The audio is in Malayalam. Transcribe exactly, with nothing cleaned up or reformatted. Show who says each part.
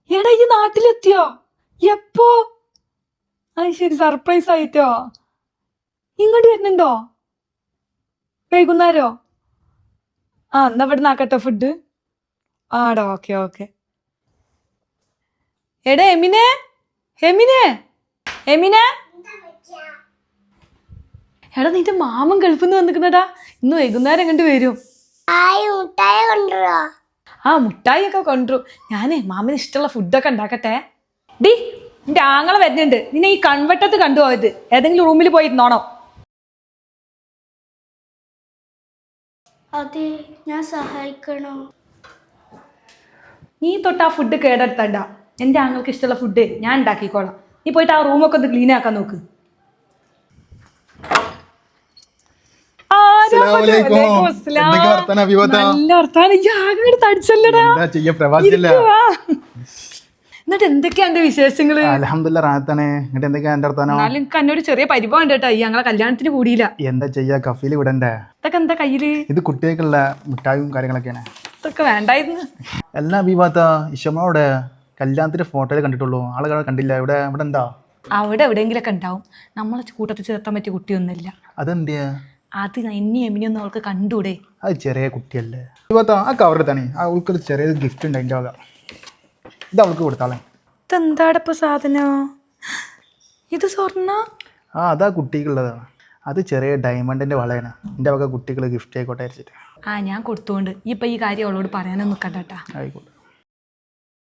Speaker 1: എടാ ഈ നാട്ടിലെത്തിയോ? എപ്പോ? അത് ശരി, സർപ്രൈസ് ആയിട്ടോ. ഇങ്ങോട്ട് വരുന്നുണ്ടോ വൈകുന്നേരോ? ആ എന്നാ ഇവിടെ നാക്കട്ടെ ഫുഡ്. ആടാ, ഓക്കെ ഓക്കെ. എടാ എമിനെ, എമിനെ, എമിനെ. എടാ നിന്റെ മാമൻ ഗൾഫിൽ നിന്ന് വന്നിക്കുന്നടാ. ഇന്ന് വൈകുന്നേരം എങ്ങോട്ട് വരും. ആ മുട്ടായി ഒക്കെ കൊണ്ടുവരും. ഞാനേ മാമന് ഇഷ്ടമുള്ള ഫുഡൊക്കെ ഉണ്ടാക്കട്ടെ. ഡി നിന്റെ ആങ്ങളെ വരുന്നുണ്ട്. നിന്നെ ഈ കൺവട്ടത്ത് കണ്ടുപോയത്. ഏതെങ്കിലും റൂമിൽ പോയിരുന്നോണോ?
Speaker 2: അതെ, ഞാൻ സഹായിക്കണോ?
Speaker 1: നീ തൊട്ട് ആ ഫുഡ് കേടെടുത്തണ്ട. എൻ്റെ ആങ്ങൾക്ക് ഇഷ്ടമുള്ള ഫുഡ് ഞാൻ ഉണ്ടാക്കിക്കോളാം. നീ പോയിട്ട് ആ റൂമൊക്കെ ഒന്ന് ക്ലീൻ ആക്കാൻ നോക്ക്. എന്നിട്ട് എന്തൊക്കെയാ എന്റെ വിശേഷങ്ങള്? എന്നാലും എനിക്ക് എന്നോട് ചെറിയ പരിഭവം ഉണ്ട് കേട്ടോ. ഈ ഞങ്ങളെ കല്യാണത്തിന് കൂടിയില്ല.
Speaker 3: എന്താ ചെയ്യാ, കഫീല് വിടണ്ടേ?
Speaker 1: ഇതൊക്കെ എന്താ കയ്യില്?
Speaker 3: ഇത് കുട്ടികൾക്കുള്ള മിഠായും കാര്യങ്ങളൊക്കെയാണ്.
Speaker 1: ഇതൊക്കെ വേണ്ടായിരുന്നു.
Speaker 3: എല്ലാ വിവാദ ഇഷമോടെ കല്യാണത്തിന്റെ ഫോട്ടോയിൽ കണ്ടിട്ടുള്ളൂ, ആളുകളെ കണ്ടില്ല. ഇവിടെ ഇവിടെ എന്താ?
Speaker 1: അവിടെ എവിടെയെങ്കിലൊക്കെ ഉണ്ടാവും. നമ്മളെ കൂട്ടത്തിൽ ചേർത്താൻ പറ്റിയ കുട്ടിയൊന്നുമില്ല.
Speaker 3: അതെന്താ?
Speaker 1: അത് എന്നെ എമിനിയൊന്നും അവൾക്ക് കണ്ടൂടെ?
Speaker 3: അത് ചെറിയ കുട്ടിയല്ലേ വിവാദ. ആ കവറിൽ തന്നെ അവൾക്കൊരു ചെറിയ ഗിഫ്റ്റ് ഉണ്ട്. അതിൻ്റെ വക ഇത് അവൾക്ക് കൊടുത്താളെ.
Speaker 1: ഇതെന്താടപ്പ സാധനം? ഇത് സ്വർണ്ണ?
Speaker 3: ആ അതാ കുട്ടിക്കുള്ളതാണ്. അത് ചെറിയ ഡയമണ്ടിന്റെ വളയാണ്. എൻ്റെ വക കുട്ടികൾ ഗിഫ്റ്റ് ആയിക്കോട്ടെ അയച്ചിട്ട്.
Speaker 1: ആ ഞാൻ കൊടുത്തോണ്ട് ഇപ്പൊ ഈ കാര്യം അവളോട് പറയാനൊന്നും നിൽക്കണ്ട കേട്ടാ.
Speaker 3: ആയിക്കോട്ടെ.